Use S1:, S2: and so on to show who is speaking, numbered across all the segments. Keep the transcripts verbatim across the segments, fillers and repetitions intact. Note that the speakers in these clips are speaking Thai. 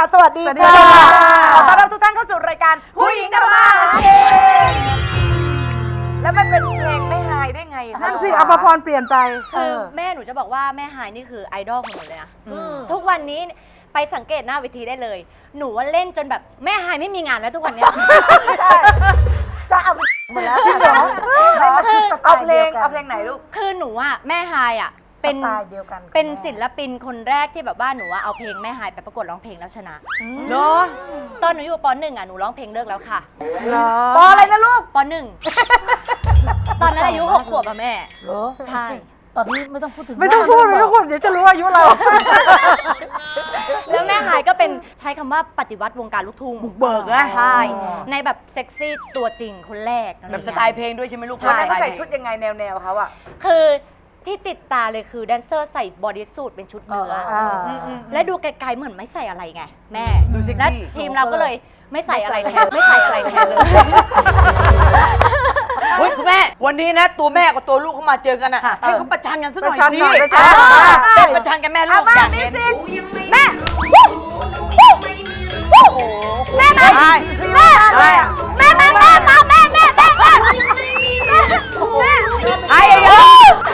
S1: สวัสดีค่ะขอต้อนรับทุกท่านเข้าสู่รายการผู้หญิงทำมาหากินแล้วมันเป็นเพลงไม่หายได้ไงนั่นสิอภพรเปลี่ยนไป
S2: คือแม่หนูจะบอกว่าแม่หายนี่คือไอดอลของหนูเลยนะทุกวันนี้ไปสังเกตหน้าเวทีได้เลยหนูว่าเล่นจนแบบแม่หายไม่มีงานแล้วทุกวันนี้
S1: ใช่จะเอาหมดแล้วจริงเหรอคือเอาเพลงเอาเพลงไหนลูก
S2: คือหนูอ่ะแม่หายอ่ะเป็น
S1: สไตล์เดียวกัน
S2: เป็นศิลปินคนแรกที่แบบว่าหนูว่าเอาเพลงแม่หายไปประกวดร้องเพลงแล้วชนะ
S1: เนาะ
S2: ตอนหนูอยู่ป.หนึ่งอ่ะหนูร้องเพลงเลิกแล้วค่ะ
S1: ป.อะไรนะลูก
S2: ป.หนึ่งตอนนั้นอายุหกขวบอะแม่
S1: เหรอ
S2: ใช่
S1: ตอนนี้ไม่ต้องพูดถึงไม่ต้องพูดไม่ต้องพูดเดี๋ยวจะรู้อายุเรา
S2: แล้วแม่หายก็เป็นใช้คำว่าปฏิวัติวงการลูกทุ่ง
S1: บุกเบิกนะ
S2: ใช่ในแบบเซ็กซี่ตัวจริงคนแรก
S1: แบบสไตล์เพลงด้วยใช่ไหมลูกวันนั้นเขาใส่ชุดยังไงแนวแนวเขาอะ
S2: คือที่ติดตาเลยคือแดนเซอร์ใส่บอดี้สูทเป็นชุดเนื้อและดูไกลๆเหมือนไม่ใส่อะไรไงแม่และทีมเราก็เลยไม่ใส่อะไรแทนไม่ใส่อะไรแทนเลย
S3: เฮ้ยคุณแม่วันนี้นะตัวแม่กับตัวลูกเขามาเจอกันอ่ะให้เขาประชันกันสักหน่อยสิเป็นประชันกันแม่ลูกอย่างนี้
S2: แม่แม่แม่แม่แม่แม่แม่แม่แม่แม่แม่แม่แม่
S3: ไอ้ยอ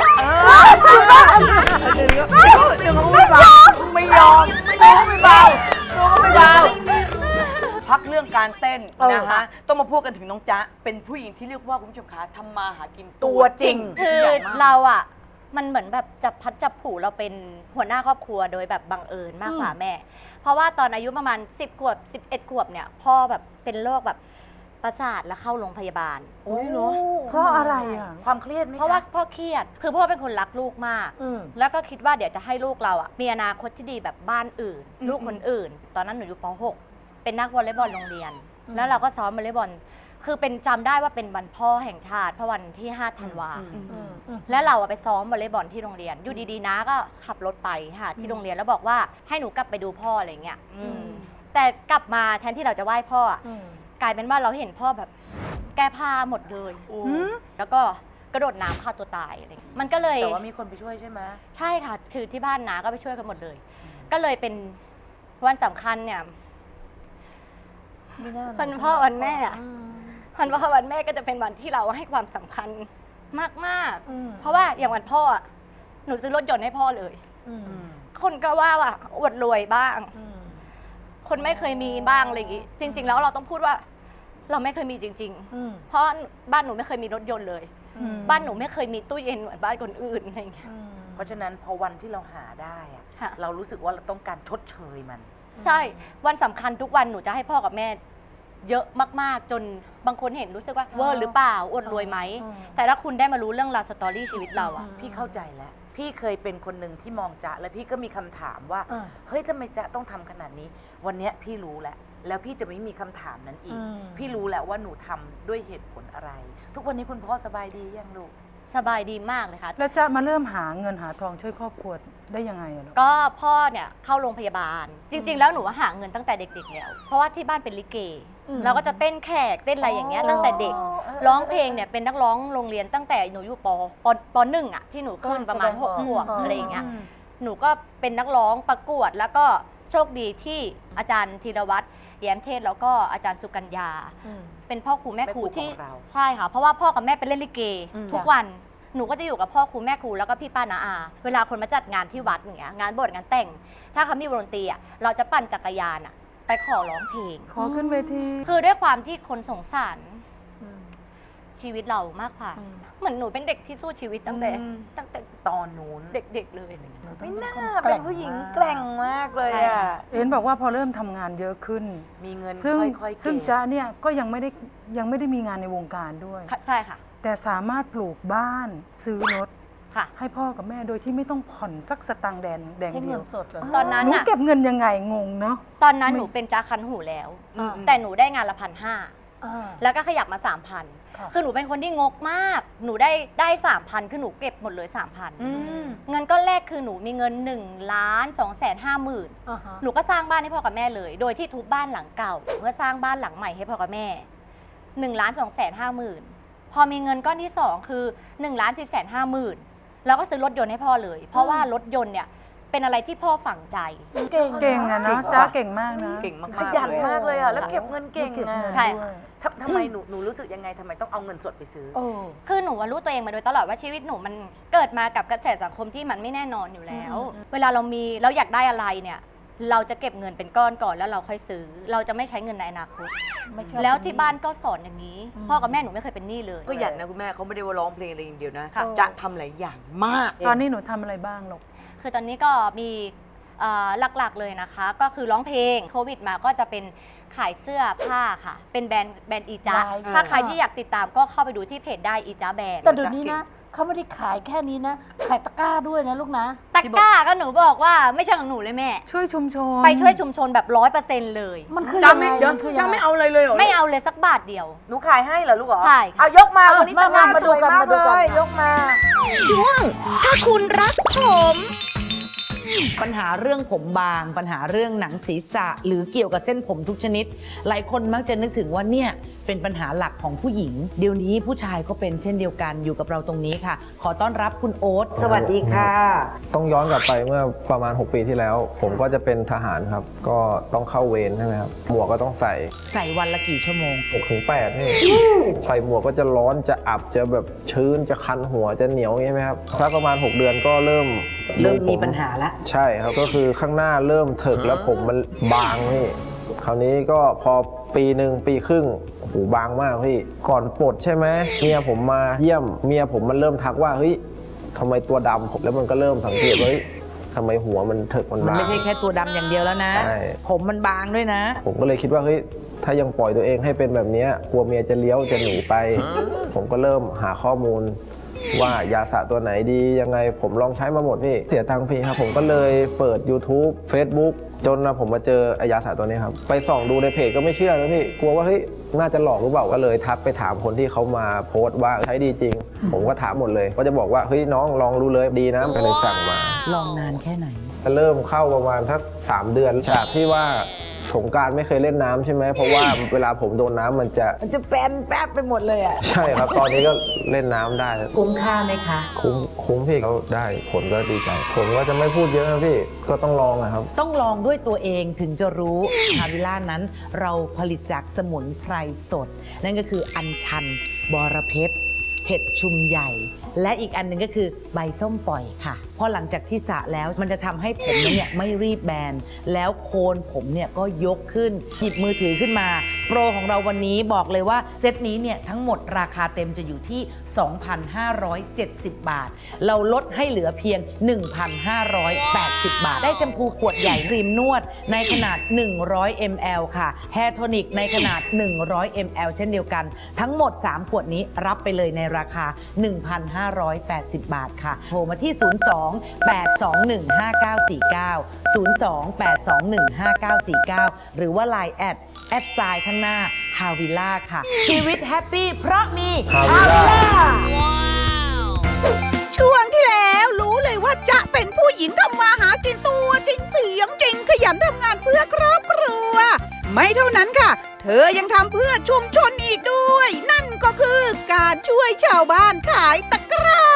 S3: ไม่ยอมไม่เบาไม่เบาพักเรื่องการเต้นนะคะต้องมาพูดกันถึงน้องจ๊ะเป็นผู้หญิงที่เรียกว่าคุณผู้ชมคะทำมาหากินตัวจริง
S2: คือเราอ่ะมันเหมือนแบบจับพัดจับผูเราเป็นหัวหน้าครอบครัวโดยแบบบังเอิญมากกว่าแม่เพราะว่าตอนอายุประมาณสิบขวบสิบเอ็ดขวบเนี่ยพ่อแบบเป็นโรคแบบประสาทแล้วเข้าโรงพยาบาล
S1: โอ้ยเหรอเพราะอะไรอ่ะความเครียดไหม
S2: เพราะว่าพ่อเครียดคือพ่อเป็นคนรักลูกมากแล้วก็คิดว่าเดี๋ยวจะให้ลูกเราอ่ะมีอนาคตที่ดีแบบบ้านอื่นลูกคนอื่นตอนนั้นหนูอยู่ป.หกเป็นนักวอลเลย์บอลโรงเรียนแล้วเราก็ซ้อมวอลเลย์บอลคือเป็นจำได้ว่าเป็นวันพ่อแห่งชาติเพราะวันที่ห้าธันวาแล้วเราไปซ้อมวอลเลย์บอลที่โรงเรียนอยู่ดีๆนะก็ขับรถไปค่ะที่โรงเรียนแล้วบอกว่าให้หนูกลับไปดูพ่ออะไรเงี้ยแต่กลับมาแทนที่เราจะไหว้พ่อกลายเป็นว่าเราเห็นพ่อแบบแก้ผ้าหมดเลยแล้วก็กระโดดน้ำฆ่าตัวตายอะไรมันก็เลย
S1: แต่ว่ามีคนไปช่วยใช่ไหม
S2: ใช่ค่ะคือที่บ้านน้าก็ไปช่วยกันหมดเลยก็เลยเป็นวันสำคัญเนี่ยวันพ่อวันแม่วันพ่อวันแม่ก็จะเป็นวันที่เราให้ความสำคัญมากๆเพราะว่าอย่างวันพ่อหนูซื้อรถยนต์ให้พ่อเลยคนก็ว่าว่าอวดรวยบ้างคนไม่เคยมีบ้างอะไรอย่างงี้จริงๆแล้วเราต้องพูดว่าเราไม่เคยมีจริงๆเพราะบ้านหนูไม่เคยมีรถยนต์เลยบ้านหนูไม่เคยมีตู้เย็นเหมือนบ้านคนอื่นอะไรอย่างเงี้ย
S1: เพราะฉะนั้นพอวันที่เราหาได้เรารู้สึกว่าเราต้องการชดเชยมัน
S2: ใช่วันสำคัญทุกวันหนูจะให้พ่อกับแม่เยอะมากๆจนบางคนเห็นรู้สึกว่าเวอร์หรือเปล่าอวดรวยไหมแต่ถ้าคุณได้มารู้เรื่องราวสตอรี่ชีวิตเราอะ
S1: พี่เข้าใจแล้วพี่เคยเป็นคนหนึ่งที่มองจ๊ะแล้วพี่ก็มีคำถามว่าเฮ้ยทำไมจ๊ะต้องทำขนาดนี้วันนี้พี่รู้แล้วแล้วพี่จะไม่มีคำถามนั้นอีกพี่รู้แล้วว่าหนูทำด้วยเหตุผลอะไร ทุกวันนี้คุณพ่อสบายดียังลูก
S2: สบายดีมากเลยค่ะ
S4: แล้วจะมาเริ่มหาเงินหาทองช่วยครอบครัวได้ยังไงอะลูก
S2: ก็พ่อเนี่ยเข้าโรงพยาบาลจริงๆแล้วหนูว่าหาเงินตั้งแต่เด็กๆแล้วเพราะว่าที่บ้านเป็นลิเกเราก็จะเต้นแขกเต้นอะไรอย่างเงี้ยตั้งแต่เด็กร้องเพลงเนี่ยเป็นนักร้องโรงเรียนตั้งแต่หนูอยู่ปปหนึ่งอะที่หนูขึ้นประมาณหกขวบอะไรอย่างเงี้ยหนูก็เป็นนักร้องประกวดแล้วก็โชคดีที่อาจารย์ธีรวัตรแย้มเทศแล้วก็อาจารย์สุกัญญาเป็นพ่อครูแม่ครูที่ใช่ค่ะเพราะว่าพ่อกับแม่เป็นเล่นลิเกทุกวันหนูก็จะอยู่กับพ่อครูแม่ครูแล้วก็พี่ป้าน้าอาเวลาคนมาจัดงานที่วัดอย่างเงี้ยงานบวชงานแต่งถ้าเขามีวงดนตรีอ่ะเราจะปั่นจักรยานอ่ะไปขอร้องเพลง
S4: ขอขึ้นเวที
S2: คือด้วยความที่คนสงสารชีวิตเรามากกว่าเหมือนหนูเป็นเด็กที่สู้ชีวิตตั้งแต่ตั้งแต่
S1: ตอนนู้น
S2: เด็กๆเลย
S1: ไม่น่าเป็นผู้หญิงแกร่งมากเลยอ่ะ
S4: เอ็นบอกว่าพอเริ่มทำงานเยอะขึ้น
S1: มีเงิน
S4: ซึ่ง
S1: ค่อยๆ
S4: ซึ่งจ๊ะเนี่ยก็ยังไม่ได้ยังไม่ได้มีงานในวงการด้วย
S2: ใช่ค่ะ
S4: แต่สามารถปลูกบ้านซื้อรถให้พ่อกับแม่โดยที่ไม่ต้องผ่อนสักสตังค์แดงแดงเดียว
S2: ตอนนั้น
S4: หนูเก็บเงินยังไงงงเนาะ
S2: ตอนนั้นหนูเป็นจ้าคันหูแล้วแต่หนูได้งานละพันห้าแล้วก็ขยับมาสามพันคือหนูเป็นคนที่งกมากหนูได้ได้สามพันคือหนูเก็บหมดเลยสามพันเงินก้อนแรกคือหนูมีเงินหนึ่งล้านสองแสนห้าหมื่นหนูก็สร้างบ้านให้พ่อกับแม่เลยโดยที่ทุบบ้านหลังเก่าเพื่อสร้างบ้านหลังใหม่ให้พ่อกับแม่หนึ่งล้านสองแสนห้าหมื่นพอมีเงินก้อนที่สองคือหนึ่งล้านสี่แสนห้าหมื่นแล้วก็ซื้อรถยนต์ให้พ่อเลยเพราะว่ารถยนต์เนี่ยเป็นอะไรที่พ่อฝังใจ
S4: เก่งอะเนาะจ้าเก่งมากนะ
S3: เก่งมากๆ
S1: ขยันมากเลยอ่ะ แล้วเก็บเงินเก่ง
S4: เก็บ
S1: อ่ะ
S4: เงิน
S2: ใช่
S4: ด้วย
S1: ทำทำไมหนูหนูรู้สึกยังไงทำไมต้องเอาเงินสดไปซื้อ
S2: คือหนูว่ารู้ตัวเองมาโดยตลอดว่าชีวิตหนูมันเกิดมากับกระแสสังคมที่มันไม่แน่นอนอยู่แล้ว เวลาเรามีเราอยากได้อะไรเนี่ย เราจะเก็บเงินเป็นก้อนก่อนแล้วเราค่อยซื้อ เราจะไม่ใช้เงินในอนาคตแล้วที่บ้านก็สอนอย่างนี้ พ่อกับแม่หนูไม่เคยเป็นหนี้เลย
S3: ก็หยันนะคุณแม่เขาไม่ได้ว่าร้องเพลงอะไรอย่างเดียวนะ
S2: ค่ะ
S3: จะทำหลายอย่างมาก
S4: ตอนนี้หนูทำอะไรบ้างลูก
S2: คือตอนนี้ก็มีเอ่อหลักๆเลยนะคะ ก็คือร้องเพลงโควิดมาก็จะเป็นขายเสื้อผ้าค่ะ เป็นแบรนด์แบรนด์อีจ้า
S5: ได้ค่ะ
S2: ถ้าใครที่อยากติดตามก็เข้าไปดูที่เพจได้อีจ้าแบรนด์
S5: แต่เดี๋ยวนี้นะเขาไม่ได้ขายแค่นี้นะ ขายตะกร้าด้วยนะลูกนะ
S2: ตะกร้าก็หนูบอกว่าไม่ใช่ของหนูเลยแม่
S4: ช่วยชุมชน
S2: ไปช่วยชุมชนแบบร้อยเปอร์เซ็นต์เลย
S5: มันคือ
S3: จ้า
S5: ยังไง
S3: ไม่เดี๋ยว
S5: มันคือ
S3: จ้า
S5: ยังไง
S3: ไม่เอาอะไรเลยเหรอ
S2: ไม่เอาเลยสักบาทเดียว
S1: หนูขายให้เหรอลูกเหรอ
S2: ใช่ค่ะ
S1: เอายกมาวันนี้
S5: มา
S1: ตะกร้า
S5: มา
S1: สวย
S5: มาดูกัน
S1: มาก
S5: มาดู
S1: เล
S5: กัน
S1: ยยกมา
S6: ช่วงถ้าคุณรักผม
S7: ปัญหาเรื่องผมบาง ปัญหาเรื่องหนังศีรษะ หรือเกี่ยวกับเส้นผมทุกชนิด หลายคนมักจะนึกถึงว่าเนี่ยเป็นปัญหาหลักของผู้หญิง เดี๋ยวนี้ผู้ชายก็เป็นเช่นเดียวกันอยู่กับเราตรงนี้ค่ะ ขอต้อนรับคุณโอ๊ตสวัสดีค่ะ
S8: ต้องย้อนกลับไปเมื่อประมาณ หก ปีที่แล้ว ผมก็จะเป็นทหารครับ ก็ต้องเข้าเวรใช่ไหมครับ หมวกก็ต้องใส่
S7: ใส่วันละกี่ชั่วโมง
S8: หกถึงแปดนี่ใส่หมวกก็จะร้อนจะอับจะแบบชื้นจะคันหัวจะเหนียวใช่ไหมครับสักประมาณ หก เดือนก็เริ่ม
S7: เริ่มมี
S8: ผ
S7: ปัญหาละ
S8: ใช่ครับก็คือข้างหน้าเริ่มเถิกแล้วผมมันบางนี่คราวนี้ก็พอปีหนึ่งปีครึ่งโอ้โหบางมากพี่ก่อนปลดใช่ไหมเมียผมมาเยี่ยมเมียผมมันเริ่มทักว่าเฮ้ยทำไมตัวดำผมแล้วมันก็เริ่มสังเกตว่าเฮ้ยทำไมหัวมันเถิกมัน
S7: มัน
S8: บาง
S7: ไม่ใช่แค่ตัวดำอย่างเดียวแล้วนะ
S8: ใช่ ผม
S7: มันบางด้วยนะ
S8: ผมก็เลยคิดว่าเฮ้ยถ้ายังปล่อยตัวเองให้เป็นแบบเนี้ยกลัวเมียจะเลี้ยวจะหนีไป ผมก็เริ่มหาข้อมูล ว่ายาสระตัวไหนดียังไงผมลองใช้มาหมดพี่เสียตังค์พี่ครับผมก็เลยเปิด YouTube Facebook จนนะผมมาเจอไอ้ยาสระตัวนี้ครับไปส่องดูในเพจก็ไม่เชื่อนะพี่กลัวว่าเฮ้ยน่าจะหลอกหรือเปล่าก็เลยทักไปถามคนที่เขามาโพสต์ว่าใช้ดีจริง ผมก็ถามหมดเลยก็จะบอกว่าเฮ้ยน้องลองดูเลยดีนะก็เลยสั่งมา
S7: ลองนานแค่ไหน
S8: เริ่มเข้าประมาณสักสามเดือนจากที่ว่าสงกรานต์ไม่เคยเล่นน้ำใช่ไหมเพราะว่าเวลาผมโดนน้ำมันจะ
S7: มันจะแปนแป๊บไปหมดเลยอ่ะ
S8: ใช่ครับ ตอนนี้ก็เล่นน้ำได้
S7: คุ้มค่าไหมคะ
S8: คุ้มคุ้มพี่เขาได้ผลก็ดีใจผมก็จะไม่พูดเยอะนะพี่ก็ต้องลองนะครับ
S7: ต้องลองด้วยตัวเองถึงจะรู้ฮาวิล่านั้นเราผลิตจากสมุนไพรสด นั่นก็คืออัญชัน บอระเพ็ดเผ็ดชุมใหญ่ และอีกอันหนึงก็คือใบส้มปล่อยค่ะเพราะหลังจากที่สระแล้วมันจะทำให้ผมนั้นเนี่ยไม่รีบแบน แล้วโคนผมเนี่ยก็ยกขึ้นหยิบมือถือขึ้นมา โปรของเราวันนี้บอกเลยว่าเซตนี้เนี่ยทั้งหมดราคาเต็มจะอยู่ที่ สองพันห้าร้อยเจ็ดสิบ บาท เราลดให้เหลือเพียง หนึ่งพันห้าร้อยแปดสิบ บาท ได้แชมพูขวดใหญ่ครีมนวดในขนาด หนึ่งร้อยมิลลิลิตร ค่ะแฮร์โทนิกในขนาด หนึ่งร้อยมิลลิลิตร เช่นเดียวกัน ทั้งหมด สาม ขวดนี้รับไปเลยในราคา หนึ่งพันห้าร้อยแปดสิบ บาทค่ะโทรมาที่ ศูนย์ สอง แปด สอง หนึ่ง ห้า เก้า สี่ เก้า ศูนย์ สอง แปด สอง หนึ่ง ห้า เก้า สี่ เก้า หรือว่า ไลน์ แอด แอดไซน์ข้างหน้าฮาวิล่าค่ะ ชีวิตแฮปปี้เพราะมี
S8: ฮาวิล่า
S6: ช่วงที่แล้วรู้เลยว่าจะเป็นผู้หญิงทำมาหากินตัวจริงเสียงจริงขยันทำงานเพื่อครอบครัว ไม่เท่านั้นค่ะ เธอยังทำเพื่อชุมชนอีกด้วย นั่นก็คือการช่วยชาวบ้านขายตะกร้า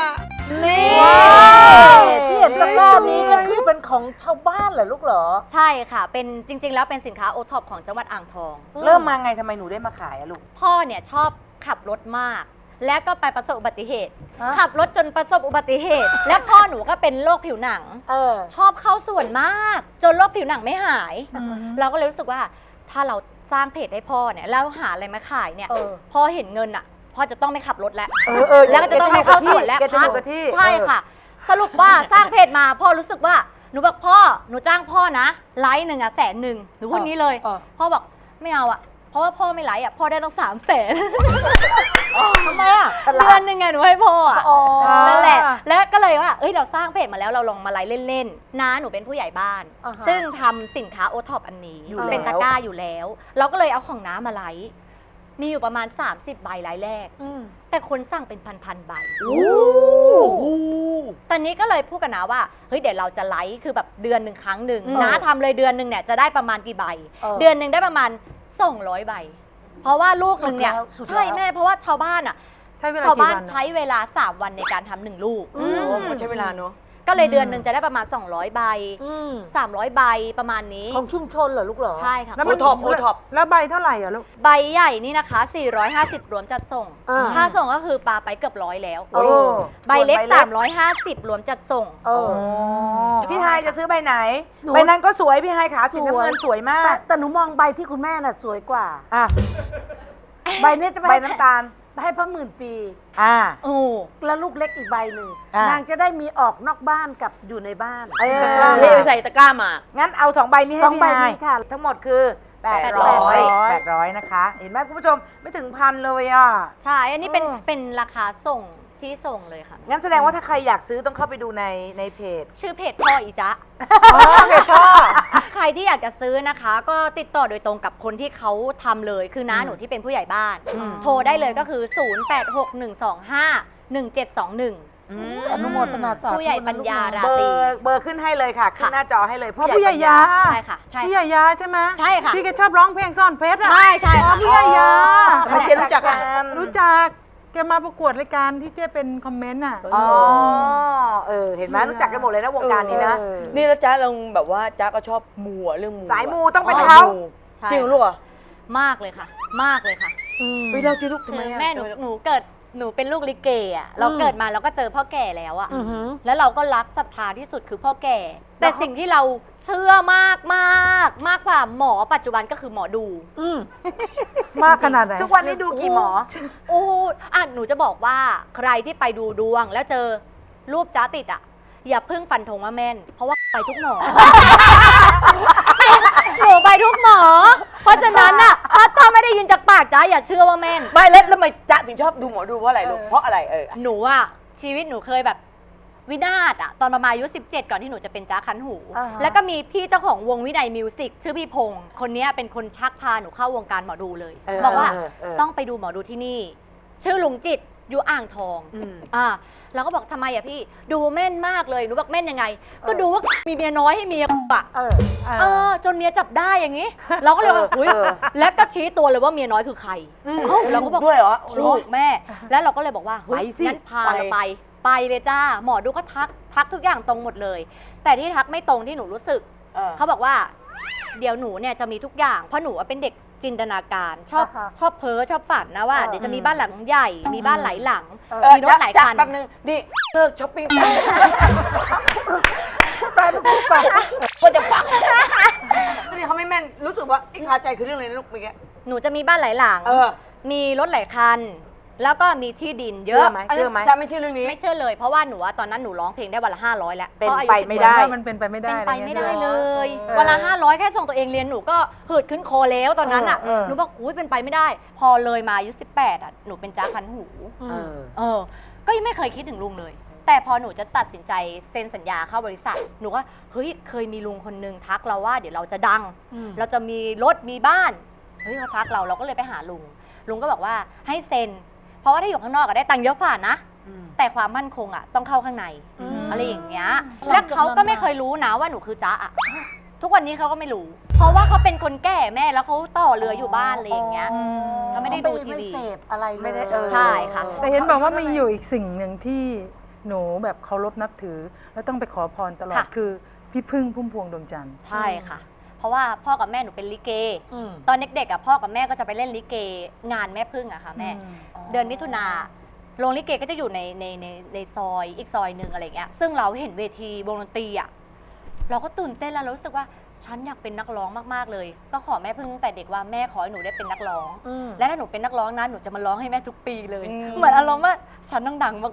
S5: ที่เห็นตะกร้านี้ก็คือเป็นของชาวบ้านเหรอลูกเหรอ
S2: ใช่ค่ะเป็นจริง ๆ แล้วเป็นสินค้าโอท็อปของจังหวัดอ่างทอง
S1: เริ่มมาไงทำไมหนูได้มาขายอะลูก
S2: พ่อเนี่ยชอบขับรถมาก และก็ไปประสบอุบัติเหตุ
S5: ฮะ
S2: ขับรถจนประสบอุบัติเหตุ และพ่อหนูก็เป็นโรคผิวหนัง
S5: เออ
S2: ชอบเข้าส่วนมาก จนโรคผิวหนังไม่หาย เราก็เลยรู้สึกว่าถ้าเราสร้างเพจให้พ่อเนี่ยแล้วหาอะไรมาขายเนี่ย
S5: เออ
S2: พ่อเห็นเงินอ่ะพ่อจะต้องไม่ขับรถแล้ว
S1: เออเออ
S2: แล้วก็จะต้องไม่เข้าสวนแล้ว
S1: แกจะอยู่กับที่
S2: ใช่ค่ะ สรุปว่าสร้างเพจมาพ่อรู้สึกว่าหนูบอกพ่อหนูจ้างพ่อนะไลฟ์หนึ่งอ่ะแสนหนึ่งหนูพูดนี้เลย
S5: เออ
S2: พ่อบอกไม่เอาอ่ะเพราะว่าพ่อไม่ไลฟ์อ่ะพ่อได้ตั้งสามแสน
S5: ทำไมอ่ะ
S2: เดือนหนึ่งไงหนูให้พ่ออ่ะ
S5: อ๋อ
S2: นั่นแหละ แล้วก็เลยว่าเอ้ยเราสร้างเพจมาแล้วเราลองมาไลฟ์เล่นๆน้าหนูเป็นผู้ใหญ่บ้าน
S5: อ่าฮะ
S2: ซึ่งทำสินค้าโอท็อปอันนี้
S1: อยู่แล้ว
S2: เป็นตะกร้าอยู่แล้ว เราก็เลยเอาของน้ามาไลฟ์มีอยู่ประมาณ สามสิบ ใบไลฟ์แรก
S5: อืม
S2: แต่คนสั่งเป็นพันๆใบ
S1: โอ้โห
S2: ตอนนี้ก็เลยพูดกันนะว่าเฮ้ยเดี๋ยวเราจะไลฟ์คือแบบเดือนหนึ่งครั้งหนึ่ง
S1: อืม
S2: น้าทำเลยเดือนหนึ่งเนี่ยจะได้ประมาณกี่ใบ
S5: เออ
S2: เดือนหนึ่งได้ประมาณสองร้อยใบ เพราะว่าลูกหนึ่งเนี่ย
S5: สุดแล้วสุดแล้ว
S2: ใช่แม่เพราะว่าชาวบ้านอ่ะ
S4: ใช้เวลา
S2: ชาว
S4: กี่
S2: บ้าน
S4: วันอะ
S2: ใช้เวลา สาม วันในการทำหนึ่งลูก
S3: โอ้ก็ใช้เวลาเนอะ
S2: กก็เลยเดือนหนึ่งจะได้ประมาณ สองร้อย ใบ
S5: อืม
S2: สามร้อย ใบประมาณนี้
S5: ของชุมชนเหรอลูกเหรอ
S2: ใช่ค่ะ
S4: แล้ว
S3: โอ
S4: มัน
S3: ท็อปโอท็อป
S4: แล้วใบเท่าไหร่อ่ะลูก
S2: ใบใหญ่นี่นะคะ สี่ร้อยห้าสิบ รวมจัดส่ง
S5: อ่า
S2: ค่าส่งก็คือปลาไปเกือบร้อยแล้ว
S5: โอ้
S2: ใบเล็ก
S1: ส่วนใบเล็ก
S2: สามร้อยห้าสิบ รวมจัดส่ง
S5: เออ
S1: พี่ไฮายจะซื้อใบไหน
S5: หนู
S1: ใบนั้นก็สวยพี่ไฮายขาสีน้ำเงินสวยมา
S5: แต่
S1: ก
S5: แต่หนูมองใบที่คุณแม่น่ะสวยกว่า
S1: อ่ะ
S5: ใบเนี้ยจะไป
S1: ใบ
S5: ให้
S1: น้ำตาล
S5: ให้พระหมื่นปี
S1: อ่า
S2: โอ้
S5: แล้วลูกเล็กอีกใบหนึ่ง
S1: อ่ะ
S5: นางจะได้มีออกนอกบ้านกับอยู่ในบ้าน
S1: เออ
S3: ตะกร้าเลยใส่ตะกร้ามา
S1: งั้นเอาสองใบนี้ให้
S5: สอง
S1: พี่
S5: ใบ
S1: ไฮาย
S5: นี้ค่ะ
S1: ทั้งหมดคือแปด
S2: แปด
S1: ร้
S2: ร้
S1: อ
S2: อย ย
S1: แปดร้อยนะคะ เห็นไหมคุณผู้ชมไม่ถึงพันเลยอ่ะ
S2: ใช่ อันนี้เป็น
S1: เออ
S2: เป็นราคาส่งที่ส่งเลยค่ะ
S1: งั้นแสดงว่าถ้าใครอยากซื้อต้องเข้าไปดูในในเพจ
S2: ชื่อเพจพ่ออีจ๊ะ
S1: อ๋อเพจพ่อ
S2: ใครที่อยากจะซื้อนะคะ ก็ติดต่อโดยตรงกับคนที่เขาทำเลย คือน้าหนูที่เป็นผู้ใหญ่บ้าน
S1: อืม
S2: โทรได้เลยก็คือ ศูนย์ แปด หก หนึ่ง สอง ห้า หนึ่ง เจ็ด สอง หนึ่ง
S5: อนุโมทนาสาธุ
S2: ผู้ใหญ่ปัญญารา
S1: เบอ
S2: ตรี
S1: ร์เบอร์ขึ้นให้เลยค่ะ ขึ้น
S2: ค่ะ
S1: หน้าจอให้เลย
S4: เพราะผู้ใหญ่ยา
S2: ใช่ค่ะ ใช่
S4: ผู้ใหญ่ยาใช่ไหม
S2: ใช่ค่ะ
S4: ที่แกชอบร้องเพลงซ่อนเพชรอ่ะ
S2: ใช่ใช่ค่ะ
S4: ผู้ใหญ่ยา
S1: ทำไมเจ๊รู้จักกัน
S4: รู้จักแกมาประกวดรายการที่เจ๊เป็นคอมเมนต์อ่ะ
S1: อ๋อ เออ เห็นไหมรู้จักกันหมดเลยนะวงการนี้นะ
S5: เออ
S3: นี่แล้วจ้าเราแบบว่าจ้าก็ชอบมูอะเรื่องมูะ
S1: สายมูต้องเป็น
S3: สย
S1: เขา
S3: มู
S2: ใช่
S3: จริงเหรอลูกเหรอ่ะ
S2: มากเลยค่ะ มากเลยค่ะ
S3: ไปเล่าที่ลูกทำ
S2: คื
S3: ไม
S2: อ
S3: อะ
S2: แม่หนูหนูเกิดหนูเป็นลูกลิเกอ่ะเราเกิดมาเราก็เจอพ่อแก่แล้วอ่ะ
S5: อือหือ
S2: แล้วเราก็รักศรัทธาที่สุดคือพ่อแก่ แต่สิ่งที่เราเชื่อมากมากมากกว่าหมอปัจจุบันก็คือหมอดู
S5: อืม
S4: มากขนาดไหน
S1: ทุกวันนี้ดูกี่หมอ
S2: โอ้โหอ่ะหนูจะบอกว่าใครที่ไปดูดวง แล้วเจอรูปจ้าติดอ่ะ อย่าเพิ่งฟันธงว่าแม่น เพราะว่าไปทุกหมอ หนูไปทุกหมอ เพราะฉะนั้นอ่ะถ้าถ้าไม่ได้ยินจากปากจ้าอย่าเชื่อว่าแม่น
S3: ไม่แล้วแล้วทำไมจ๊ะถึงชอบดูหมอดูเพราะอะไรลูกเพราะอะไรเออ
S2: หนูอะชีวิตหนูเคยแบบวินาศอะตอนประมาณอายุสิบเจ็ดก่อนที่หนูจะเป็นจ้าคันหู
S5: อ่าฮะ
S2: แล้วก็มีพี่เจ้าของวงวินัยมิวสิกชื่อพี่พงศ์คนเนี้ยเป็นคนชักพาหนูเข้าวงการหมอดูเลย
S1: เออ
S2: บอกว่า
S1: เออเออ
S2: ต้องไปดูหมอดูที่นี่ ชื่อลุงจิตอยู่อ่างทอง
S1: อืม
S2: อ่าเราก็บอกทำไมอะพี่ดูแม่นมากเลยหนูบอกแม่นยังไง ก็ดูว่ามีเมียน้อยให้เมียอะ
S5: เออ
S2: เออจนเมียจับได้อย่างนี้ เราก็เลยว่าอุ้ย
S1: เออ
S2: แล้วก็ชี้ตัวเลยว่าเมียน้อยคือใครเอ้าเราก็บอก
S3: ด้วยเหรอ
S2: ถูกแม่ แล้วเราก็เลยบอกว่าเฮ้ย
S1: ไปสิ
S2: งั้นพาเราไป ไปเลยจ้า หมอดูก็ทัก ทักทุกอย่างตรงหมดเลย แต่ที่ทักไม่ตรงที่หนูรู้สึก
S3: เออ
S2: เขาบอกว่า เดี๋ยวหนูเนี่ยจะมีทุกอย่าง เพราะหนูเป็นเด็กจินตนาการ ชอบ
S5: อ่าฮะ
S2: ชอบเพ้อชอบฝันนะว่า
S5: เออ
S2: เดี๋ยวจะมีบ้านหลังใหญ่ มีบ้านหลายหลัง
S5: เออ
S2: มีรถหลาย
S3: จ๊ะ
S2: คัน
S3: แป๊บนึงนี่เลิกช้อปปิ้งไปไปก็จะฟังนี่เขาไม่แม่นรู้สึกว่าไอ้คาใจคือเรื่องอะไรนะลูกเมื่อกี้
S2: หนูจะมีบ้านหลายหลัง
S3: เออ
S2: มีรถหลายคัน แล้วก็มีที่ดินเย
S1: เชื่อ
S2: อะ
S1: ไหม
S3: อัน
S1: เชื่
S3: นี้
S1: อไหม
S3: จ๊ะไม่เชื่อเรื่องนี้
S2: ไม่เชื่อเลย เพราะว่าหนูอะตอนนั้นหนูร้องเพลงได้วันละห้าร้อยแล้ว
S1: เป็น
S2: พราะอายุ
S1: ไป
S2: สิบ
S1: ไม่
S2: ก
S1: ได้
S2: ว่า
S4: ว่ามันเป็นไปไม่ได้
S2: เป็นไปไม่ได้
S4: อะร
S2: เล
S4: งี้
S2: ย
S4: เออ
S2: วันละห้าร้อยแค่ส่งตัวเองเรียนหนูก็หืดขึ้นคอแล้วตอนนั้นอ่ะ
S5: เออเออ
S2: หนูบอกอุ้ยเป็นไปไม่ได้ พอเลยมาอายุสิบแปดอ่ะหนูเป็นจ้าคันหู
S1: เออ
S2: เออ ก็ยังไม่เคยคิดถึงลุงเลย แต่พอหนูจะตัดสินใจเซ็นสัญญาเข้าบริษัท หนูก็เฮ้ยเคยมีลุงคนนึงทักเราว่าเดี๋ยวเราจะดัง เราจะมีรถมีบ้านเฮ้ยเขาทักเราเราก็เลยไปหาลุง ลุงก็บอกว่าให้เซ็น เพราะว่าถ้าอยู่ข้างนอกก็ได้ตังค์เยอะกว่านะ
S1: อืม
S2: แต่ความมั่นคงอ่ะต้องเข้าข้างใน
S5: อืม
S2: อะไรอย่างเงี้ย
S5: หลั
S2: แล้ว
S5: งจากนั้น
S2: เขาก็ไม่เคยรู้นะว่าหนูคือจ๊ะอ่ะ ทุกวันนี้เขาก็ไม่รู้ เพราะว่าเขาเป็นคนแก่แม่แล้วเขาต่อเรืออยู่บ้านอะไรอย่างเงี้ยเขาไม่ได้ดูที
S5: ไม่
S2: วี
S5: เสพอะไรเลย
S1: ไม่ได้เออ
S2: ใช่ค่ะ
S4: แต่เห็นบอกว่ามีอยู่อีกสิ่งหนึ่งที่หนูแบบเคารพนับถือ แล้วต้องไปขอพรตลอด
S2: ค่ะ
S4: คือพี่พึ่งพุ่มพวงดวงจันทร์
S2: ใช่ค่ะ เพราะว่าพ่อกับแม่หนูเป็นลิเก
S5: อืม
S2: ตอนเด็กๆอ่ะพ่อกับแม่ก็จะไปเล่นลิเก งานแม่พึ่งอะค่ะแม่
S4: อืม
S2: เดือนมิถุนาโรงลิเกก็จะอยู่ในในในในซอยอีกซอยหนึ่งอะไรเงี้ย ซึ่งเราเห็นเวทีวงดนตรีอ่ะ เราก็ตื่นเต้นแล้วเรารู้สึกว่าฉันอยากเป็นนักร้องมากๆเลย ก็ขอแม่พึ่งตั้งแต่เด็กว่าแม่ขอให้หนูได้เป็นนักร้อง
S5: อืม
S2: และถ้าหนูเป็นนักร้องนะหนูจะมาร้องให้แม่ทุกปีเลย
S3: อืม
S2: เหมือนอารมณ์ว่าฉันต้องดังมาก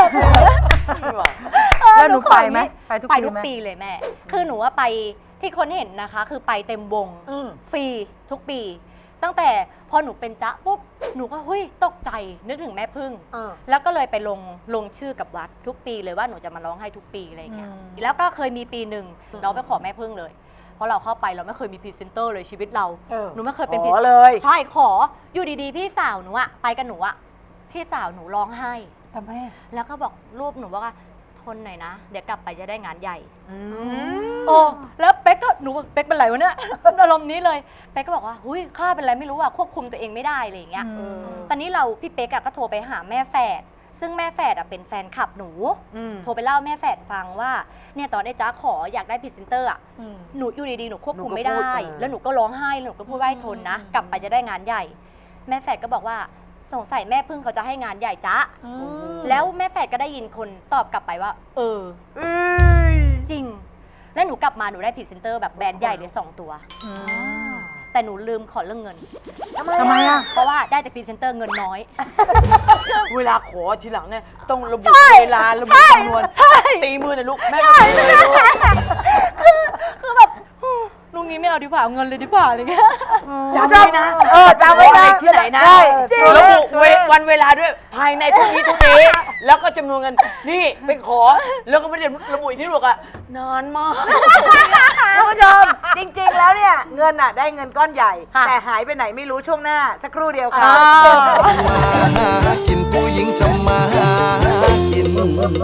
S4: แล้วหนู
S2: ขอ
S4: ไป
S2: อย่าง
S4: ไหม
S2: นี้
S4: ไปทุก
S2: ไป
S4: ปี
S2: ทุก
S4: ไหม
S2: ปีเลยแม่ คือหนูว่าไปที่คนเห็นนะคะ คือไปเต็มวง
S5: อืม
S2: ฟรีทุกปี ตั้งแต่พอหนูเป็นจ๊ะปุ๊บหนูก็เฮ้ยตกใจนึกถึงแม่พึ่ง
S5: เออ
S2: แล้วก็เลยไปลงลงชื่อกับวัดทุกปีเลยว่าหนูจะมาร้องให้ทุกปีอะไรอย่างเงี้ย
S4: อืม
S2: แล้วก็เคยมีปีหนึ่งเราไปขอแม่พึ่งเลย เพราะเราเข้าไปเราไม่เคยมีพรีเซนเตอร์เลยชีวิตเรา
S5: เออ
S2: หนูไม่เคย
S1: ข
S2: เป็น
S1: อ
S2: พรี
S1: เลย
S2: ใช่ขออยู่ดีๆ พี่สาวหนูอะไปกับหนูอะพี่สาวหนูร้องไห้
S5: ทำไมอะ
S2: แล้วก็บอกรูปหนูบอกว่าทนหน่อยนะ เดี๋ยวกลับไปจะได้งานใหญ่
S1: อืม
S2: โอ้แล้วเป๊กก็หนูเป๊กเป็นไรวะเนี่ย อารมณ์นี้เลยเป๊กก็บอกว่าหุ้ยข้าเป็นไรไม่รู้อะควบคุมตัวเองไม่ได้อะไรอย่างเงี้ย
S4: อืม
S2: ตอนนี้เราพี่เป๊กอะก็โทรไปหาแม่แฝดซึ่งแม่แฝดอะเป็นแฟนคลับหนู
S1: อืม
S2: โทรไปเล่าแม่แฝดฟังว่าเนี่ยตอนไอ้จ๊ะขออยากได้พรีเซนเตอร์อะหนูอยู่ดีๆหนูควบคุมไม่ได้ แล้วหนูก็ร้องไห้แล้วหนูก็พูดว่าให้ทนนะ กลับไปจะได้งานใหญ่ แม่แฝดก็บอกว่าสงสัยแม่พึ่งเขาจะให้งานใหญ่จ๊ะแล้วแม่แฝดก็ได้ยินคนตอบกลับไปว่า เออจริง แล้วหนูกลับมาหนูได้พรีเซนเตอร์แบบแบรนด์ใหญ่เลยสองตัวแต่หนูลืมขอเรื่องเงิน
S4: ทำไมอ่ะ
S2: เพราะว่าได้แต่พรีเซนเตอร์เงินน้อย
S3: เวลาขอทีหลังเนี่ยต้องระบุเวลาระบุจำนวนตีมือหน่อยลูกแม่ก็ตีเลยลูก
S2: คือแบบลุงนี้ไม่เอาดีกว่าเอาเงินเลยดีกว่าอะไรเงี้ย
S3: จำไว้นะ
S1: เออจำไว้นะ
S3: ที่ไหนนะ
S1: ใช่จริง
S3: ระบุเววันเวลาด้วยภายในทุกนี้ทุกนี้แล้วก็จำนวนเงินนี่ไปขอแล้วก็ไม่ได้ระบุอีกที่ลูกอะนานมาก
S1: คุณผู้ชมจริง ๆ แล้วเนี่ยเงินอ่ะได้เงินก้อนใหญ่
S2: ค่ะ
S1: แต่หายไปไหนไม่รู้ช่วงหน้า สักครู่เดียวค่ะ
S9: มาหากินผู้หญิงทำมาหากิน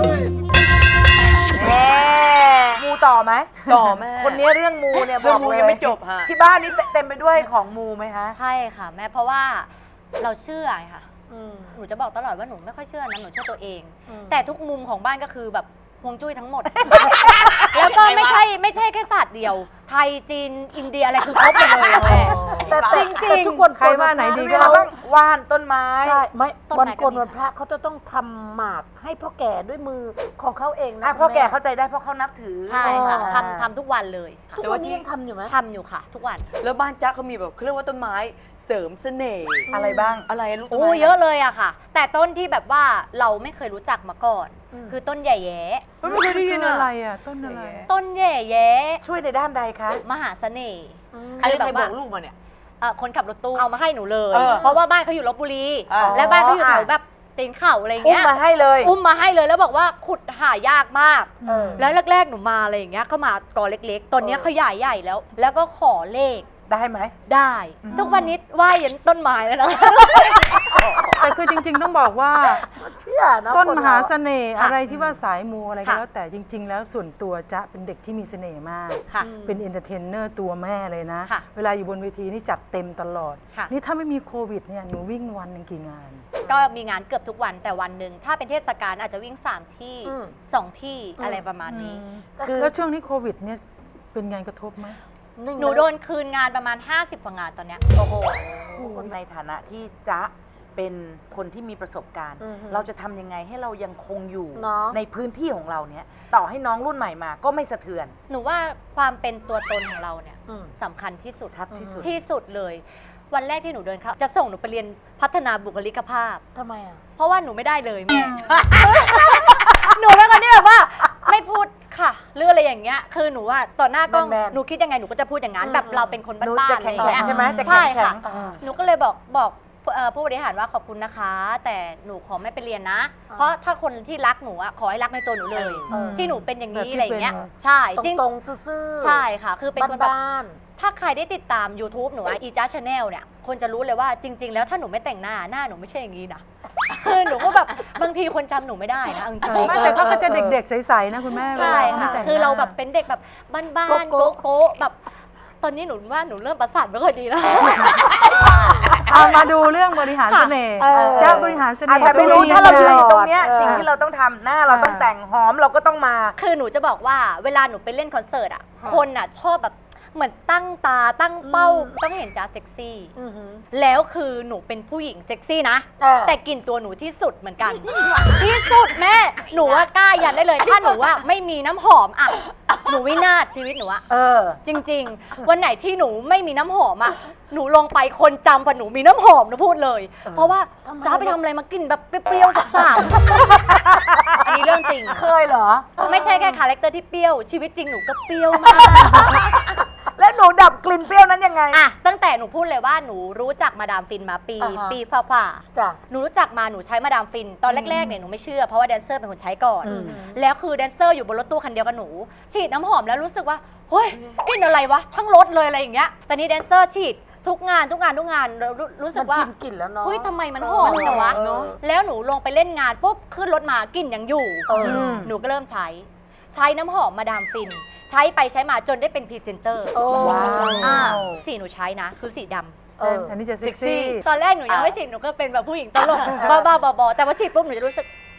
S1: แหมมูต่อไหม
S3: ต่อแม่
S1: คนนี้เรื่องมูเนี่ยบ
S3: เรื่อ
S1: อง ก
S3: มู
S1: เลย
S3: ยังไม่จบฮะ
S1: ที่บ้านนี้เต็มไปด้วยของมูไหมคะ
S2: ใช่ค่ะแม่เพราะว่าเราเชื่อไงค่ะหนูจะบอกตลอดว่าหนูไม่ค่อยเชื่อนะหนูเชื่อตัวเอง แต่ทุกมุมของบ้านก็คือแบบฮวงจุ้ยทั้งหมด แล้วก็ไม่ใช่ไม่ใช่แค่ศาสตร์เดียว ไทยจีนอินเดียอะไรคือครบหมดเลยอะแม่
S5: แต่
S2: จริงจริง
S5: ทุกคน
S4: ใครว่าไหนดี
S1: มีอะไรบ้างว่านต้นไม้
S5: ใช่ไม่
S2: ต้น
S5: วัน
S2: ไม้ก็
S5: โกน
S2: มี
S5: วันพระเขาจะต้องทำหมากให้พ่อแก่ด้วยมือของเขาเองนะ
S1: อ่ะพ่อ
S5: คุณ
S1: แก่
S5: ม่
S1: เข้าใจได้เพราะเขานับถือ
S2: ใช่ค่ะ
S5: อ๋อ
S2: ทำทำทุกวันเลยค่ะ
S5: ทุกวันนี้ยังทำอยู่ไหม
S2: ทำอยู่ค่ะ ทุกวัน
S3: แล้วบ้านจ๊ะเขามีแบบเขาเรียกว่าต้นไม้เสริมเสน่ห์
S1: อะไรบ้าง
S3: อะไรลูกต้น
S2: โอ้
S3: ไม้
S2: เยอะเลยอะค่ะ แต่ต้นที่แบบว่าเราไม่เคยรู้จักมาก่อน คือต้นใหญ่แย้
S3: เฮ้ยไม่เคยได้ยิน
S4: คือ
S3: อะ
S4: อะไรอ่ะ ต้นอะไร
S2: ต้นใหญ่แย้
S1: ช่วยในด้านใดคะ
S2: มหาเสน่ห์
S3: อันนี้
S2: คือ
S3: ใคร
S2: แบบ
S3: บ
S2: ว่า
S3: อกลูกมาเนี่ย
S2: เอ่อคนขับรถตู้เอามาให้หนูเลย
S3: เออ
S2: เพราะว่าบ้านเขาอยู่ลบบุรี
S3: อ๋อ
S2: และบ้านเขาอยู่แถวแบบตีนเขาอะไรอย่าง
S1: อุ้ม
S2: เงี้ย
S1: มาให้เลย
S2: อุ้มมาให้เลยแล้วบอกว่าขุดหายากมาก
S5: เออ
S2: แล้วแรกๆหนูมาอะไรอย่างเงี้ยเขามากอเล็กๆตอนเนี้ยขยายใหญ่แล้ว แล้วก็ขอเลข
S1: ได้ไหม
S2: ได้ ทุกวันนี้ไหว้ยันต้นไม้แล้วนะ
S4: แต่คือจริง ๆ ต้องบอกว่า
S5: เชื่อนะ
S4: ต้น
S5: ค
S4: ม
S5: เร
S4: หาเสน่ห์
S2: ค่ะ
S4: อะไรที่ว่าสายมูอะไรก็
S2: ค่ะ
S4: แล้วแต่จริง ๆ แล้วส่วนตัวจะเป็นเด็กที่มีเสน่ห์มาก
S2: ค่ะ
S4: เป็นเอนเตอร์เทนเนอร์ตัวแม่เลยนะ
S2: ค่ะ
S4: เวลาอยู่บนเวทีนี่จัดเต็มตลอด
S2: ค่ะ
S4: นี่ถ้าไม่มีโควิดเนี่ยหนูวิ่งวันหนึ่งกี่งาน
S2: ก็มีงานเกือบทุกวันแต่วันหนึ่งถ้าเป็นเทศกาลอาจจะวิ่งสามที่
S5: อืม
S2: สองที่อะไรประมาณนี้
S1: คือ
S4: แล้วช่วงนี้โควิดเนี่ยเป็นไงกระทบไหม
S2: หนูโดนคืนงานประมาณ ห้าสิบกว่างานตอนเนี้ย
S1: โอ้โหในฐานะที่จ๊ะเป็นคนที่มีประสบการณ์
S5: อือฮึ
S1: เราจะทำยังไงให้เรายังคงอยู่
S5: เนาะ
S1: ในพื้นที่ของเราเนี่ยต่อให้น้องรุ่นใหม่มาก็ไม่สะเทือน
S2: หนูว่าความเป็นตัวตนของเราเนี่ย
S5: อืม
S2: สำคัญที่สุด
S1: ชัดที่สุด
S2: ที่สุดเลย วันแรกที่หนูเดินเข้าจะส่งหนูไปเรียนพัฒนาบุคลิกภาพ
S5: ทำไมอ่ะ
S2: เพราะว่าหนูไม่ได้เลยแม่ หนูเป็นคนที่แบบว่า ไม่พูดค่ะหรืออะไรอย่างเงี้ยคือหนูว่าต่อหน้ากล้อง
S5: แมนๆ
S2: หนูคิดยังไงหนูก็จะพูดอย่างนั้น
S5: อืม
S2: แบบเราเป็นคน
S1: หนู
S2: บ้าน
S1: จะ
S2: ๆอะไร
S1: แข็
S2: อง ย่างเงี้ย
S1: ๆใช่ไหมจะ
S2: ใช่
S1: แข็
S2: ค่ะ
S1: ง
S5: อ่า
S2: หนูก็เลยบอกบอกเอ่อผู้บริหารว่าขอบคุณนะคะ แต่หนูขอไม่ไปเรียนนะ เพราะถ้าคนที่รักหนูอะขอให้รักในตัวหนูเลย
S5: เออ
S2: ที่หนูเป็นอย่างนี้
S4: แบบที่
S2: อะไรอย่างเงี้ย
S4: เป็น
S2: ใช่
S5: ตรง
S2: จริง
S5: ตรงๆซื่อๆ
S2: ใช่ค่ะ คือเป็นคนแบบ
S5: บ้าน
S2: ถ้าใครได้ติดตาม YouTube หนูอะอีจ้าชาแนลเนี่ย คนจะรู้เลยว่าจริง ๆ แล้วถ้าหนูไม่แต่งหน้าหน้าหนูไม่ใช่อย่างนี้นะ คือหนูก็แบบบางทีคนจำหนูไม่ได้นะเอาจริง
S4: ไม่แต่เขาก็จะเด็กๆ ใสๆนะคุณแม่
S2: ๆ
S4: เว
S2: ใช่
S4: ลาเขาไม่
S2: ค่ะ
S4: แต่งหน้
S2: คือเราแบบเป็นเด็กแบบบ้านๆ
S5: โก๊ะ
S2: โก๊ะๆแบบ ตอนนี้หนูว่าหนูเริ่มประสาทไม่ค่อยดีแล้ว
S4: เอามาดูเรื่องบริหารเสน่ห์
S5: เออ
S4: เจ้าบริหารเส
S1: อา
S4: น่
S1: จ
S4: ห์
S1: จะไม่รู้
S4: ตัวเอง
S1: ถ้าเราอยู่
S4: ยังไง
S1: ตรงเนี้ย
S5: เออ
S1: สิ่งที่เราต้องทำหน้าเราต้องแต่งหอมเราก็ต้องมา
S2: คือหนูจะบอกว่าเวลาหนูไปเล่นคอนเสิร์ตอ่ะ คนอ่ะชอบแบบเหมือนตั้งตาตั้งเป้าต้องเห็นจ้าเซ็กซี่
S5: อือหือ
S2: แล้วคือหนูเป็นผู้หญิงเซ็กซี่นะ
S5: เออ
S2: แต่กลิ่นตัวหนูที่สุดเหมือนกัน ที่สุดแม่ หนูว่ากล้ายันได้เลย ถ้าหนูว่าไม่มีน้ำหอมอ่ะ หนูวินาศชีวิตหนูอะ
S1: เออ
S2: จริง ๆ วันไหนที่หนูไม่มีน้ำหอมอ่ะ หนูลงไปคนจำว่าหนูมีน้ำหอมหนูพูดเลย เพราะว่า
S5: ทำไม
S2: จ้าไปทำอะไรมากลิ่นแบบเปรี้ยวๆสาบๆอันนี้เรื่องจริง
S1: เคยเหรอ
S2: ไม่ใช่แค่คาแรคเตอร์ที่เปรี้ยว ชีวิตจริงหนูก็เปรี้ยวมาก
S1: แล้วหนูดับกลิ่นเปรี้ยวนั้นยังไง
S2: อ่ะตั้งแต่หนูพูดเลยว่าหนูรู้จักมาดามฟินมาปี
S5: อ่าฮะ
S2: ปีฝ่าๆ
S5: จ้ะ
S2: หนูรู้จักมาหนูใช้มาดามฟิน ตอนแรกๆเนี่ยหนูไม่เชื่อเพราะว่าแดนเซอร์เป็นคนใช้ก่อน
S1: อืม
S2: แล้วคือแดนเซอร์อยู่บนรถตู้คันเดียวกับหนู ฉีดน้ำหอมแล้วรู้สึกว่าเฮ้ยกลิ่นอะไรวะ ทั้งรถเลยอะไรอย่างเงี้ยแต่นี่แดนเซอร์ฉีดทุกงานทุกงานทุกงานเรารู้รู้สึ
S5: มั
S2: ก
S5: น
S2: ว่า
S5: ชินกลิ่นแล้วเนาะ
S2: เฮ้ยทำไมมันหอมจังวะ
S5: เนอะ
S2: แล้วหนูลงไปเล่นงานปุ๊บขึ้นรถมากลิ่นยังอยู่
S5: เออ
S1: อืม
S2: หนูก็เริ่มใช้ ใช้น้ำหอมมาดามฟิน ใช้ไปใช้มาจนได้เป็นพรีเซนเตอร์
S5: โอ้
S1: ว้าว
S2: อ่าสีหนูใช้นะ คือสีดำ
S5: เออ
S4: อันนี้จะเซ็กซี่
S2: ตอนแรกหนูยังไม่ฉีดหนูก็เป็นแบบผู้หญิงตลก บ้าๆบอๆแต่พอฉีดปุ๊บหนูจะรู้สึก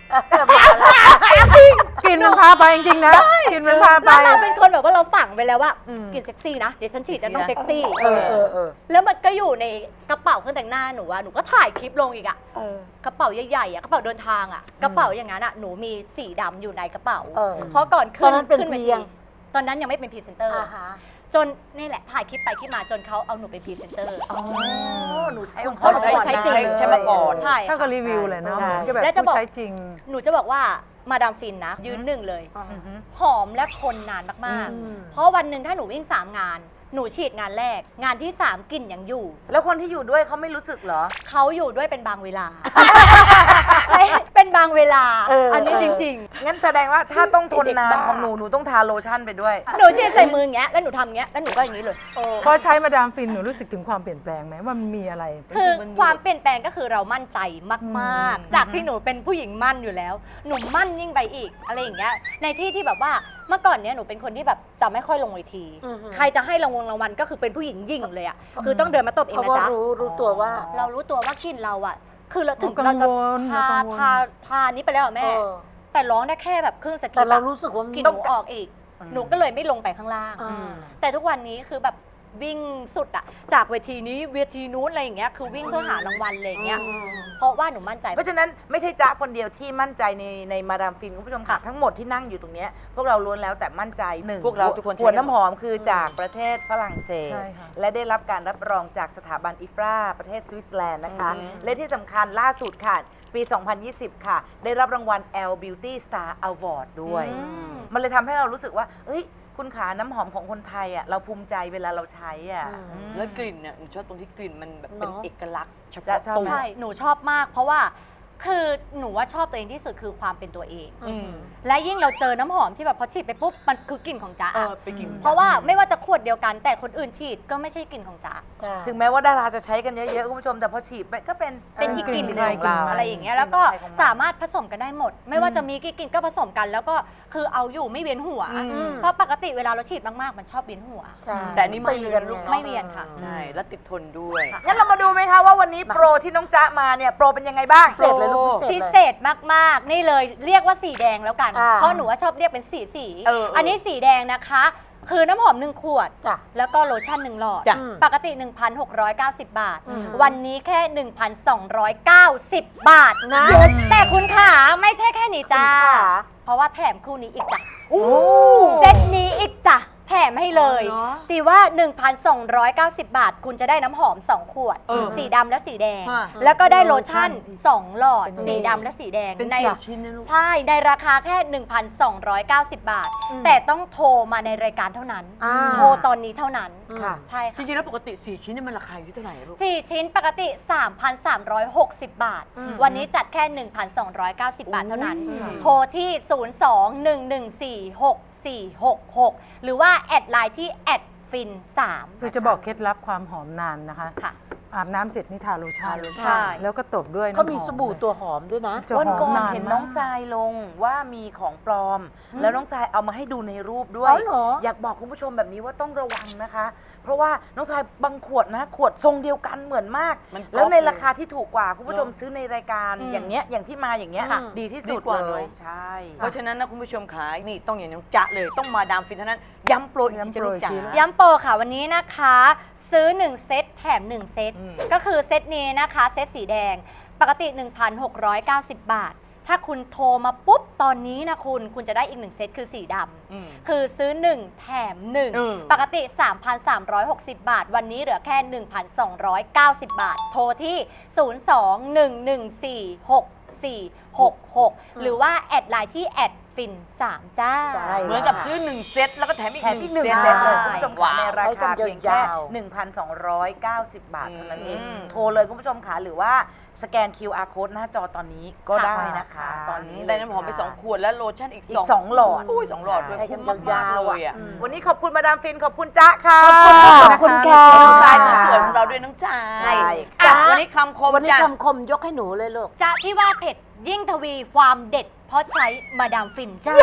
S4: กลิ่นมันพาไปจริงๆนะกลิ่นมันพาไป
S2: แล้วเราเป็นคนแบบว่าเราฝังไปแล้วว่ากลิ่นเซ็กซี่นะเดี๋ยวฉันฉีดจะต้องเซ็กซี่
S5: เออเออเออ
S2: แล้วมันก็อยู่ในกระเป๋าเครื่องแต่งหน้าหนูอะหนูก็ถ่ายคลิปลงอีกอะกระเป๋าใหญ่ๆอะกระเป๋าเดินทางอะกระเป๋าอย่างนั้นอะหนูมีสีดำอยู่ในกระเป๋า
S5: เออ
S2: เพราะก่อน
S5: ต
S2: ขึ้
S5: อนนั้นเป็น
S2: ขึ้ว
S5: เพี
S2: ที
S5: ยง
S2: ตอนนั้นยังไม่เป็นพรีเซนเตอร์
S5: อ่าฮะ
S2: จนนี่แหละถ่ายคลิปไปคลิปมาจนเขาเอาหนูเป็นพรีเซนเตอร์
S1: อ๋อหนูใช้ของ
S2: เขา
S1: เขา
S2: ใช้ใช้จริง
S3: ใช้มาก่อน
S2: ใช่
S4: ถ้า
S2: ค่ะ
S4: ก็รีวิวเลยเนาะ
S1: ใช่
S4: เหมือนกับแบบ
S2: แล้วจะบอก
S4: ผู้ใช้จริง
S2: หนูจะบอกว่ามาดามฟินนะ ยืนหนึ่งเลย
S1: อือฮึ
S2: หอมและทนนานมาก
S5: อืม
S2: ๆ เพราะวันหนึ่งถ้าหนูวิ่งสามงาน หนูฉีดงานแรก งานที่สามกลิ่นยังอยู่
S1: แล้วคนที่อยู่ด้วยเขาไม่รู้สึกเหรอ
S2: เขาอยู่ด้วยเป็นบางเวลา ใช่เป็นบางเวลา
S5: เอออั
S2: อันนี้
S5: เออ
S2: จริง
S1: งั้นแสดงว่าถ้าต้องทนนาน
S5: เด็กบ้า
S1: ของหนูหนูต้องทาโลชั่นไปด้วย
S2: ๆ หนูฉีดใส่มืออย่างเงี้ยแล้วหนูทำอย่างเงี้ยแล้วหนูก็อย่างนี้เลย
S4: พอใช้มาดามฟินหนูรู้สึกถึงความเปลี่ยนแปลงไหมว่ามันมีอะไร
S2: คือความเปลี่ยนแปลงก็คือเรามั่นใจมากๆ จากที่หนูเป็นผู้หญิงมั่นอยู่แล้ว หนูมั่นยิ่งไปอีกอะไรอย่างเงี้ยในที่ที่แบบว่าเมื่อก่อนเนี้ยหนูเป็นคนที่แบบจะไม่ค่อยลงเวที
S5: อือฮึ
S2: ใครจะให้รางวัลรางวัลก็คือเป็นผู้หญิงยิ่งเลยอ่ะคือต้องเดินมาตบเอง
S5: เพราะ
S2: นะ
S5: ว่า
S2: จ๊ะ
S5: รู้รู้ตัวว่า
S2: เรารู้ตัวว่ากินเราอ่ะ คือเราถึง
S4: กัง
S2: เราจะ
S4: วล
S2: ทา
S4: กังวล
S2: ทาทานี้ไปแล้วอะแม่
S5: เออ
S2: แต่ร้องได้แค่แบบครึ่งสกิป
S5: แต่เรา
S2: อะ
S5: รู้สึกว่ามัน
S2: กิน
S5: ต้
S2: ห
S5: อง
S2: นูออกอีก หนูก็เลยไม่ลงไปข้างล่าง
S5: อ่า
S2: แต่ทุกวันนี้คือแบบวิ่งสุดอะจากเวทีนี้เวทีนู้นอะไรอย่างเงี้ยคือวิ่งเพื่อหารางวัลอะไรอย่างเงี้ยเพราะว่าหนูมั่นใจ
S1: เพราะฉะนั้นไม่ใช่จ๊ะคนเดียวที่มั่นใจในในมาดามฟินคุณผู้ชมค่ะ ทั้งหมดที่นั่งอยู่ตรงเนี้ยพวกเราล้วนแล้วแต่มั่นใจหนึ่ง
S3: พวกเราทุกคนใช้
S1: หัวน้ำหอมคือจากประเทศฝรั่งเศส
S4: ใช่ค่ะ
S1: และได้รับการรับรองจากสถาบันอิฟราประเทศสวิตเซอร์แลนด์นะคะ และที่สำคัญล่าสุดค่ะ ปี สองพันยี่สิบ ค่ะ ได้รับรางวัล Elle Beauty Star Award ด้วย มันเลยทำให้เรารู้สึกว่าเอ้ยคุณขาน้ำหอมของคนไทยอ่ะเราภูมิใจเวลาเราใช้อ่ะอืม
S3: แล้วกลิ่นเนี่ยหนูชอบตรงที่กลิ่นมันแบบเป็น
S5: เนอะ
S3: เอกลักษณ์เฉ
S1: จะ
S3: พาะ
S1: ชอบ
S3: ตัว
S2: ใช่ หนูชอบมาก เพราะว่าคือหนูว่าชอบตัวเองที่สุดคือความเป็นตัวเอง
S3: อืม
S2: และยิ่งเราเจอน้ำหอมที่แบบพอฉีดไปปุ๊บมันคือกลิ่นของจ๊ะ
S3: เออไปกลิ่น
S2: เพราะว่าไม่ว่าจะขวดเดียวกันแต่คนอื่นฉีดก็ไม่ใช่กลิ่นของจ๊ะ
S1: ถึงแม้ว่าดาราจะใช้กันเยอะๆคุณผู้ชมแต่พอฉีดไปก็เป็น
S2: เป็นอีกกลิ่นห
S1: กลิ่
S2: นึ่
S1: น
S2: ง
S1: ของเรา
S2: อะไรอย่างเงี้ยแล้วก็สามารถผสมกันได้หมด ไม่ว่าจะมีกี่กลิ่นก็ผสมกัน แล้วก็คือเอาอยู่ไม่เวียนหัว
S3: อืม
S2: เพราะปกติเวลาเราฉีดมากๆ มันชอบเวียนหัว
S5: ใช่
S3: แต่อันนี้ไม่
S5: เตือน
S3: ลูก
S2: ไม่เวียนค่ะ
S3: ใช่แล้วติดทนด้วย
S1: งั้นเรามาดูไหมคะว่าวันนี้โปรที่น้องจ๊ะมาเนี่ยโปรเป็นยังไงบ้าง
S5: พิเศษเลยลูกพิ
S2: พิ
S5: เศ
S2: เศ
S5: ษ
S2: ษมากๆ นี่เลยเรียกว่าสีแดงแล้วกัน
S5: อ่า
S2: เพราะหนูว่าชอบเรียกเป็นสีสี
S3: เออเอออั
S2: นนี้สีแดงนะคะ คือน้ำหอมหนึ่งขวด
S5: จ้ะ
S2: แล้วก็โลชั่นหนึ่งหลอด
S3: จ้ะ
S2: ปกติ หนึ่งพันหกร้อยเก้าสิบ บาท
S5: อืม
S2: วันนี้แค่ หนึ่งพันสองร้อยเก้าสิบ บาท
S5: นะ
S2: แต่คุณขาไม่ใช่แค่นี้จ้า
S5: คุณขา
S2: เพราะว่าแถมคู่นี้อีกจ้ะเซตนี้อีกจ้ะแถมให้เลยตีว่า หนึ่งพันสองร้อยเก้าสิบ บาท คุณจะได้น้ำหอม สอง ขวด
S3: เออ
S2: สีดำและสีแดง
S3: ฮะ
S2: แล้วก็ได้โลชั่น สอง หลอด
S5: เป็น
S2: สีดำและสีแดง
S3: เป็น
S2: ใน
S3: สี่ชิ้นนะลูก
S2: ใช่ ในราคาแค่ หนึ่งพันสองร้อยเก้าสิบ บาท แต่ต้องโทรมาในรายการเท่านั้น
S5: อ่า
S2: โทรตอนนี้เท่านั้น
S1: ค่ะ
S2: ใช่
S3: จ
S2: ค่ะ
S3: ริงๆแล้วปกติสี่ชิ้นเนี่ยมันราคาอยู่ที่เท่าไหร่ลูก
S2: สี่ชิ้นปกติ สามพันสามร้อยหกสิบ บาท วันนี้จัดแค่ หนึ่งพันสองร้อยเก้าสิบ บาทเท่านั้น โทรที่ ศูนย์ สอง หนึ่ง หนึ่ง สี่ หก สี่ หก หก หรือว่าแอดไลน์ที่แอดฟินสาม
S4: คือจะบอกเคล็ดลับความหอมนานนะคะ
S2: ค่ะ
S4: อาบน้ำเสร็จนี่ทาโลชั่น
S2: ใช่
S4: แล้วก็ตบด้วยน้ำหอ
S5: เขามีสบู่ตัวหอมด้วยนะ
S4: จะ
S1: วัน
S4: หอ
S1: ก่
S4: ม
S1: อน
S4: นาน
S1: เห็น
S4: มา
S1: น้อง
S4: ก
S1: ทรายลงว่ามีของปลอม แล้วน้องทรายเอามาให้ดูในรูปด้วย
S5: อ๋อเหรอ
S1: อยากบอกคุณผู้ชมแบบนี้ว่าต้องระวังนะคะ เพราะว่าน้องทรายบางขวดนะ ขวดทรงเดียวกันเหมือนมาก
S3: มัน
S1: แล้วใน
S3: ก๊อปเลย
S1: ราคาที่ถูกกว่าคุณผู้ชมซื้อในรายการ
S2: อืม
S1: อย่างเนี้ยอย่างที่มาอย่างเงี้ย
S2: ค่ะ
S1: ดีที่สุด
S3: ดีกว่า
S1: เลย
S3: เนอะ
S1: ใช่
S3: เพราะฉะนั้นนะคุณผู้ชมขายนี่ต้องอย่างน้องจ๊ะเลยต้องมาดามฟินเท่านั้น ย้ำโปรอีกทีจะลูกจ๋า
S2: ย้ำโปรค่ะวันนี้นะคะ ซื้อ หนึ่ง เซตแถม หนึ่ง เซต
S3: อืม
S2: ก็คือเซตนี้นะคะ เซตสีแดงปกติ หนึ่งพันหกร้อยเก้าสิบ บาท ถ้าคุณโทรมาปุ๊บ ตอนนี้นะคุณ คุณจะได้อีก หนึ่ง เซตคือสีด
S3: อืม
S2: ำคือซื้อ หนึ่ง แถม หนึ่ง
S3: อืม
S2: ปกติ สามพันสามร้อยหกสิบ บาท วันนี้เหลือแค่ หนึ่งพันสองร้อยเก้าสิบ บาท โทรที่ ศูนย์ สอง หนึ่ง หนึ่ง สี่ หก สี่ หก หก หรือว่าแอดไลน์ที่แอดฟินสามจ้า
S5: ใช่
S3: เหมือนกับซื้อหนึ่งเซตแล้วก็แถมอีก
S1: แถมอีกหนึ่ง
S3: เซต
S1: เซตเลย
S2: ใช่
S1: คุณผู้ชมค่ะในราคา
S5: ใช้กัน
S1: เพียงแค่
S5: ยาวๆ
S1: หนึ่งพันสองร้อยเก้าสิบ บาทเท่านั้นเอง
S3: อืม
S1: โทรเลยคุณผู้ชมค่ะหรือว่าสแกน คิว อาร์ code หน้าจอตอนนี้ก็ได้นะคะ ตอนนี้
S3: ได้น้ำหอมไปสองขวดแล้วโลชั่นอีก
S1: อีกสองหลอด
S3: อุ้ยสองหลอดด้วย
S5: ใช้กัน
S3: คุ้มมากๆ
S5: ยาวๆ
S3: เลยอ่ะ
S1: วันนี้ขอบคุณมาดามฟินขอบคุณจ๊ะค่ะ
S5: ขอบคุณค่ะ
S3: ขอบคุณทรายคนสวยของเราด้วยน้องจ๋า
S1: ใช่
S3: อ่ะวันนี้คำคม
S5: วันนี้
S3: จ้ะ
S5: คำคมยกให้หนูเลยลูก
S2: จะที่ว่าเผ็ดยิ่งทวีความเด็ด เพราะใช้มาดามฟินจ้า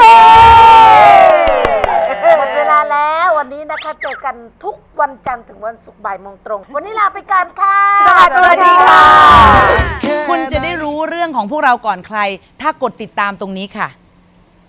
S5: หมดเวลาแล้ววันนี้นะคะเจอกันทุกวันจันทร์ถึงวันศุกร์บ่ายโมงตรง วันนี้ลาไปก่อนค่ะ
S1: สวัสดีค่ะ
S9: คุณจะได้รู้เรื่อง
S7: ของพวกเราก่อนใคร ถ้ากดติดตามตรงนี้ค่ะ